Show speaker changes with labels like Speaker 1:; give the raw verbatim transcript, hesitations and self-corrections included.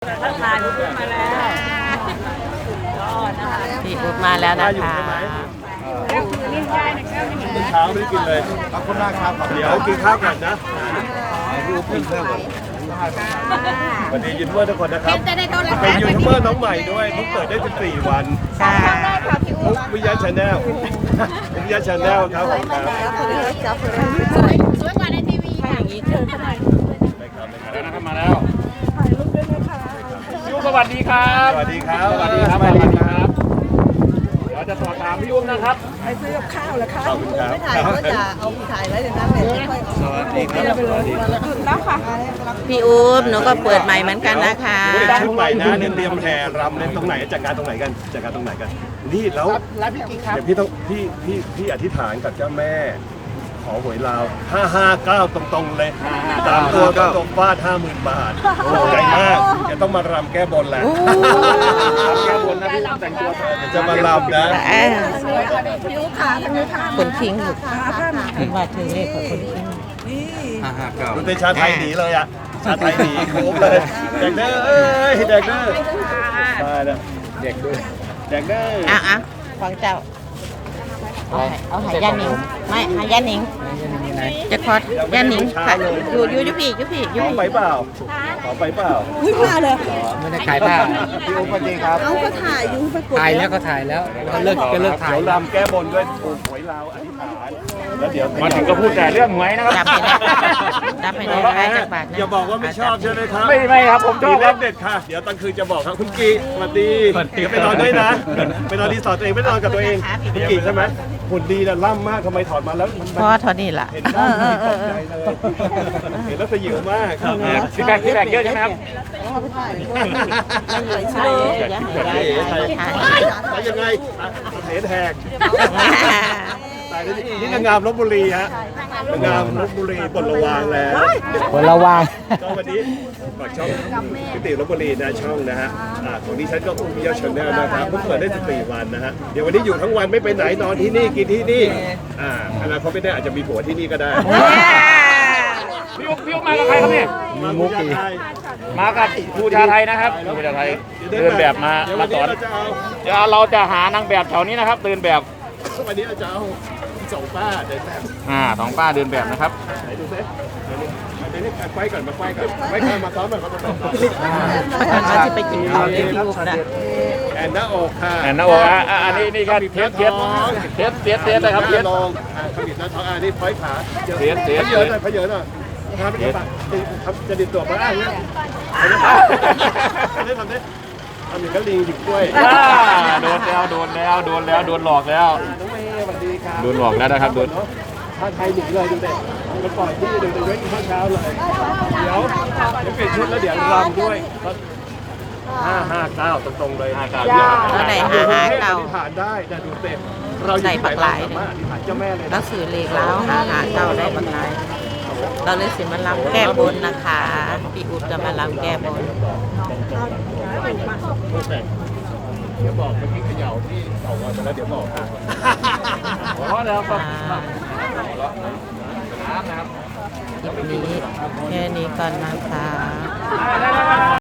Speaker 1: ทักทายพี่มาแล้วยอดนะคะ
Speaker 2: พี่อุ๊บมาแล้วนะคะ
Speaker 1: แก้วคือนี่ได้นะแก้วนี่
Speaker 3: เช้าไม่ได้กินเลยขอบคุณมากครับเดี๋ยวกินข้าวก่อนนะพี่อุ๊บกินข้าวก่อนสวัสดียูทูบเบอร์ทุกคนนะครับเป็นยูทูบเบอร์น้องใหม่ด้วยเพิ่งเปิดได้สิบสี่วัน
Speaker 2: ค่ะ
Speaker 3: อุ๊บวิยาชาแนลอุ๊บวิยาชาแนลครับผมครับ
Speaker 1: สวยกว่าในทีวีค่ะอย่างนี้เชิญขนาด
Speaker 4: แล้วนะครับมาแล้วถ่ายรูปด้วยนะคะพี่อุ้มสวัสดีครับ
Speaker 3: สวัสดีครับ
Speaker 4: สวัสดีครับสวัสดีครับเดี๋ยวจะสอบถามพี่อุ้มนะครับ
Speaker 5: ไปซื้อกับข้าวเหรอคะ
Speaker 3: ขอบคุณครับ
Speaker 5: ไม่ถ่ายก็จะเอาถ่ายไว้ในนั้นเลยค่อยๆ
Speaker 3: สวัสดีครับสวัสดีครับ
Speaker 5: แล้วค่ะ
Speaker 2: พี่อุ๊บหนูก็เปิดใหม่เหมือนกันนะคะ
Speaker 3: เด็กชุดใหม่นะเนี่ยเตรียมแห่รำเล่นตรงไหนจัดการตรงไหนกันจัดการตรงไหนกันนี่แล้ว
Speaker 4: รับพี่กิ๊กครับ
Speaker 3: เดี๋ยวพี่ต้องพี่พี่พี่อธิษฐานกับเจ้าแม่ ขอหวยลาวห้าห้าเก้าตรงๆเลยตามตัวก็ตรงฟาดห้าหมื่นบาทใหญ่มากจะต้องมารำแก้บนแหละ
Speaker 4: แก้บนนะพี่อุ้มแต่งตัว
Speaker 3: เดี๋ยวจะมารำนะ
Speaker 2: เอ้ย
Speaker 5: ผิวขาทางนี้ค่ะ
Speaker 2: คนทิ้งลูก
Speaker 5: ขาผ้าหนา
Speaker 2: เป็นว่าถึงเลขของคนทิ้ง
Speaker 3: มันเป็นชาไทยหนีเลยอ่ะชาไทยหนีโค้งเลยแดกเด้อเอ้ยแดกเด้อมาแล้วเด็กด้วยแดกเด้อ
Speaker 2: อ่ะอ่ะฟังเจ้า เอาให้เอาใหายย่านิงไม่ใหายย่านิงจะคอดย่านิงค่ะอยู่อยู่อยู่พี่อยู่พี่อยู่
Speaker 3: ขอ
Speaker 2: พี่
Speaker 3: ไปเปล่าขอไปเปล่า
Speaker 5: อุ้ยมาเลย
Speaker 6: ไม่ได้ขายผ้า
Speaker 3: พี่อุ๊บสวัสดีครับ
Speaker 5: เอาก็ถ่ายอยู่ไปกด
Speaker 6: ถ่ายแล้วก็ถ่ายแล้วก็เลิกก็เลิกถ่าย
Speaker 3: เดี๋ยวรำแก้บนด้วยถูกหวยลาวอธิษฐานแล้วเดี๋ยว
Speaker 4: มาถึงก็พูดแต่เรื่องหวยนะครับ
Speaker 2: จับให้ได้จับให้ได้ได้จากบาทนะ
Speaker 3: อย่าบอกว่าไม่ชอบใช่ไหมครับ
Speaker 4: ไม่ไม่ครับผมช
Speaker 3: มี
Speaker 4: อบ
Speaker 3: เล
Speaker 4: ครับ
Speaker 3: ขเด็ดค่ะ เดี๋ยวตอนคืนจะบอกครับคุณกีสวัสดีเดี๋ยวไปนอนด้วยนะไปนอนรีสอร์ทตัวเองไม่นอนกับตัวเองพี่กีใช่ไหมหุ่นดีนะล่ำมากทำไมถอดมาแล้วมัน
Speaker 2: พอเท่านี้ล่ะ
Speaker 3: เห็นหน้ามันตกใจเลยเห็นแล้วสยิวมาก
Speaker 4: ฟีดแบ็กฟีดแบ็กเยอะใช่ไหมครับ
Speaker 2: ใช่อย่าให้ได้ใช่ใช่
Speaker 3: ไปยังไงเหนแหกตายแล้วนี่นางงามลบบุรีฮะนางงามลบบุรีปลดระวางแล้ว
Speaker 6: คนระวัง
Speaker 3: ก็วันนี้ฝากช่องพิติลบบุรีนะช่องนะฮะอ่าของดิฉันก็อุ้มพิยาชนแนลนะครับเพิ่งเปิดได้สิบสี่วันนะฮะเดี๋ยววันนี้อยู่ทั้งวันไม่ไปไหนนอนที่นี่กินที่นี่อ่าอนาคตไม่ได้อาจจะมีผัวที่นี่ก็ได้
Speaker 4: พี่อุ้มพี่อุ้มมากับใครครับเนี่ย
Speaker 3: มามุกอี
Speaker 4: มากับครูชาไทยนะครับครูชาไทยเดินแบบมา
Speaker 3: เดี๋ยว
Speaker 4: มา
Speaker 3: วัน
Speaker 4: ส
Speaker 3: นี้
Speaker 4: อน
Speaker 3: เราจะเอา
Speaker 4: เดี๋ยวเราจะหานางแบบแถวนี้นะครับเดินแบบ
Speaker 3: วันนี้เราจะเอาสองป้าเดินแบบ
Speaker 4: อ่าสองป้าเดินแบบนะครับ
Speaker 3: ไหนดูซิเดี๋ยวนี้ไฟก่อนมาไฟก่อนไฟก่อนมาซ้อมก่อนมาซ้อมก่อน
Speaker 2: มันจะไปกินข้าวที่พี่อุ๊บนะ
Speaker 3: แอนหน้าอกค่ะ
Speaker 4: แอนนาโออ่ะอ่ะอันนี้นี่ก็เทสเทสเทสเทสเทสนะครับเทส
Speaker 3: ลองขมิบหน้าท้องอ่านี่ไฟขา
Speaker 4: เทสเทส
Speaker 3: เยอะหน่อยเยอะหน่อยทำเป็นแบบทำจะดิบตัวมาอ่ะเนี่ยทำได้ทำได้ทำอย่างกับลิงหยิบกล้วย
Speaker 4: อ่าโดนแล้วโดนแล้วโดนแล้วโดนหลอกแล้ว
Speaker 3: น้องเมย์สวัสดีครับ
Speaker 4: โดนหลอกแล้วนะครับโดน
Speaker 3: ถ้าใครหนีเลยดูเด็กมันปล่อยที่เดี๋ยวจะเว้นข้าวเช้าเลยเดี๋ยวเดี๋ยวเปลี่ยนชุดแล้วเดี๋ยวรำด้วยห้าห้าเก้าตรงๆเลยห้าเก้า
Speaker 2: แล้วไหนหาหาเก่า
Speaker 3: อธิษฐานได้นะดูเต็มเราอยู่ที่ไหนเราสามารถอธิษฐานเจ้าแม่เลย
Speaker 2: แล้
Speaker 3: นะ
Speaker 2: วสื่อเลขแล้วหาหาเก่าได้บังไงเราเลยสิมาลำแก้บนนะคะพี่อุ๊บจะมาลำแก้บน
Speaker 3: เดี๋ยวบอกเมื่อกี้เขย่าที่เต่างอยไปแล้วเดี๋ยวบอกค่ะ
Speaker 4: หัวเราะแล้วครับ
Speaker 2: คลิปนี้แค่นี้ก่อนนะคะ